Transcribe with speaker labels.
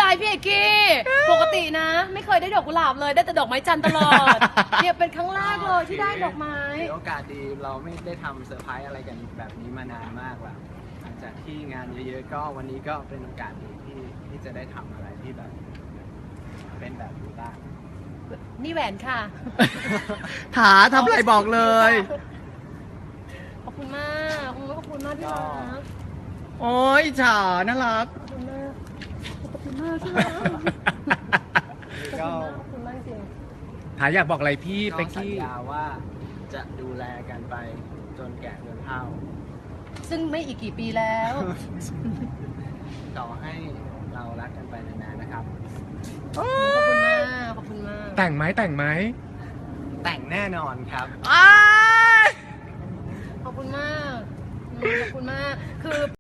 Speaker 1: พี่เอกกี้ปกตินะ ไม่เคยได้ดอกกุหลาบเลยได้แต่ดอกไม้จันทร์ตลอดเนี่ยเป็นครั้งแรกเลยที่ได้ดอกไม้
Speaker 2: ถือโอกาสดีเราไม่ได้ทำเซอร์ไพรส์อะไรกันแบบนี้มานานมากแล้วหลังจากที่งานเยอะๆก็วันนี้ก็เป็นโอกาสดีที่จะได้ทำอะไรที่แบบเป็นแบบนี้บ้าง
Speaker 1: นี่แหวนค่ะ
Speaker 3: ถาทำอะไรบอกเลย
Speaker 1: ขอบคุณมากขอบคุณมากที่รัก
Speaker 3: โอ้ยฉาน่ารัก
Speaker 1: ขอบคุณมากขอบคุณมากที่รัก
Speaker 2: ก็
Speaker 1: ขอบคุณมากจริง
Speaker 3: ถาอยากบอกอะไรพี่
Speaker 2: ก็
Speaker 3: เป็ก
Speaker 2: สัญ
Speaker 3: กี้
Speaker 2: ญาว่าจะดูแลกันไปจนแก่จนเฒ่า
Speaker 1: ซึ่งไม่อีกกี่ปีแล้ว
Speaker 2: ต่อให้เรารักกันไปนานๆนะครับ
Speaker 1: ขอบคุณมากขอบคุณมาก
Speaker 3: แต่งไหมแต่งไหม
Speaker 2: แต่งแน่นอนครับ
Speaker 3: อ้าย
Speaker 1: ขอบคุณมากขอบคุณมากคือ